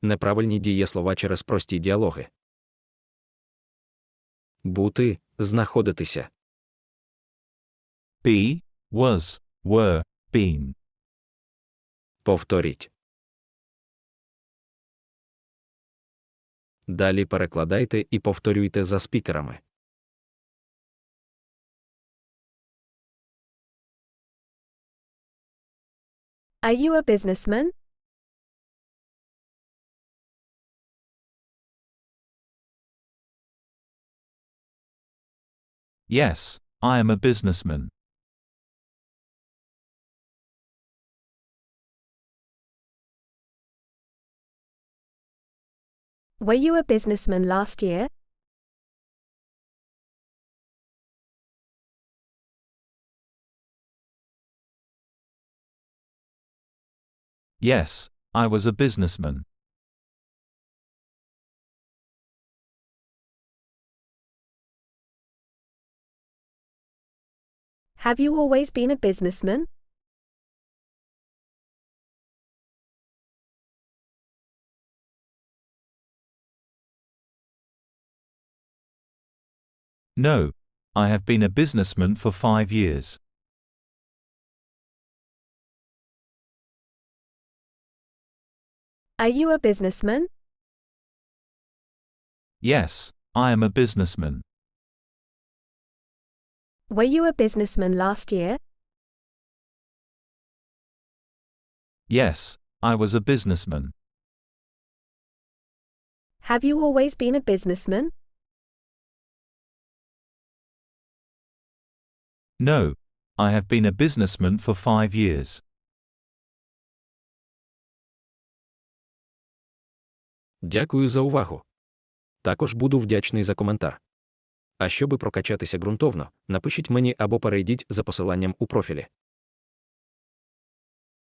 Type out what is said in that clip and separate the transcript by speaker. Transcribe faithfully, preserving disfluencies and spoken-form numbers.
Speaker 1: Неправильні дієслова через прості діалоги. Бути, знаходитися.
Speaker 2: Be, was, were, been.
Speaker 1: Повторіть. Далі перекладайте і повторюйте за спікерами.
Speaker 3: Are you a businessman?
Speaker 2: Yes, I am a businessman.
Speaker 3: Were you a businessman last year?
Speaker 2: Yes, I was a businessman.
Speaker 3: Have you always been a businessman?
Speaker 2: No, I have been a businessman for five years.
Speaker 3: Are you a businessman?
Speaker 2: Yes, I am a businessman.
Speaker 3: Were you a businessman last year?
Speaker 2: Yes, I was a businessman.
Speaker 3: Have you always been a businessman?
Speaker 2: No, I have been a businessman for five years.
Speaker 1: Дякую за увагу. Також буду вдячний за коментар. А щоби прокачатися ґрунтовно, напишіть мені або перейдіть за посиланням у профілі.